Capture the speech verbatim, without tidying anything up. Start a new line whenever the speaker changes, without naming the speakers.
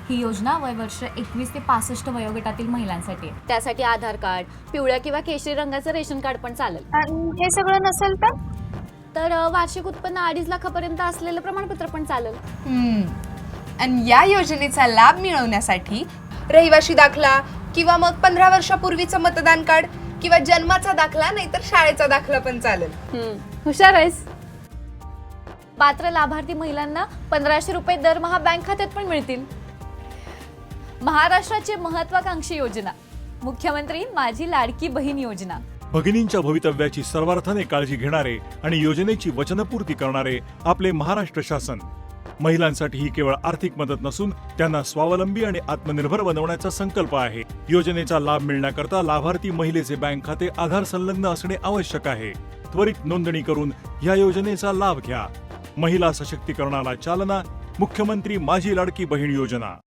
ही योजना वयवर्ष एकवीस ते पासष्ट वयोगटातील महिलांसाठी आहे.
त्यासाठी आधार कार्ड, पिवळ्या किंवा केशरी रंगाचं रेशन कार्ड पण चालेल.
आणि हे सगळं नसेल तर
तर अ, वार्षिक उत्पन्न अडीच लाखापर्यंत असलेलं प्रमाणपत्र पण चालेल.
हम्म. आणि या योजनेचा लाभ मिळवण्यासाठी रहिवाशी दाखला किंवा मग पंधरा वर्षापूर्वीचं मतदान कार्ड किंवा जन्माचा दाखला नाहीतर शाळेचा दाखला पण चालेल.
हम्म, हुशार आहेस. पात्र लाभार्थी महिलांना पंधराशे रुपये दरमहा बँक खात्यात पण मिळतील. महाराष्ट्राची महत्वाकांक्षी योजना, मुख्यमंत्री माझी लाडकी बहीण योजना.
भगिनींच्या भवितव्याची सर्वार्थाने काळजी घेणारे आणि योजनेची वचनपूर्ती करणारे आपले महाराष्ट्र शासन. महिलांसाठी ही केवळ आर्थिक मदत नसून त्यांना स्वावलंबी आणि आत्मनिर्भर बनवण्याचा संकल्प आहे. योजनेचा लाभ मिळण्याकरता लाभार्थी महिलेचे बँक खाते आधार संलग्न असणे आवश्यक आहे. त्वरित नोंदणी करून या योजनेचा लाभ घ्या. महिला सशक्तीकरणाला चालना. मुख्यमंत्री माझी लाडकी बहीण योजना.